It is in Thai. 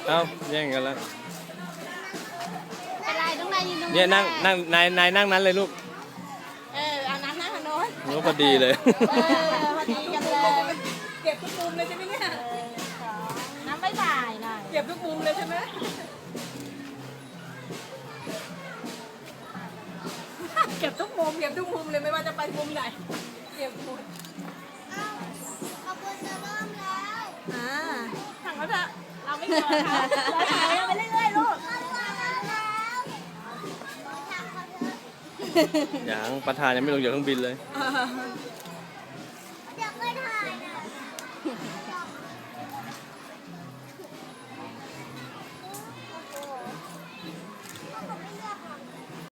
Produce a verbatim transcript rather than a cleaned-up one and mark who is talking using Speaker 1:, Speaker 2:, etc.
Speaker 1: เอ้าแย่งกันแล้ว
Speaker 2: เป็นไรต้องนายยืนตรง
Speaker 1: เนี่ยนั่งนั่งนายนายนั่งนั้นเลยลูก
Speaker 2: เออเอาน้ำนั่งทางโน้น
Speaker 1: โน้พอดีเลย
Speaker 2: เออพอดีกันเลย
Speaker 3: เก็บทุกมุมเลยใช่ไหมเนี่ย
Speaker 2: น้ำไม่บ่ายหน่อย
Speaker 3: เก็บทุกมุมเลยใช่ไหมเก็บทุกมุมเก็บทุกมุมเลยไม่ว่าจะไปมุมไหนเก็บหมด
Speaker 2: ขบวนจะเริ่มแล้ว
Speaker 3: อ่า
Speaker 2: ถังแล้วจะเราไม่กลัวเขาเราถ่ายไปเรื่อยๆลูก
Speaker 1: อย่างประธานยังไม่ลงจากเครื่องบินเลย
Speaker 2: เดี๋ยวไปถ่ายนะ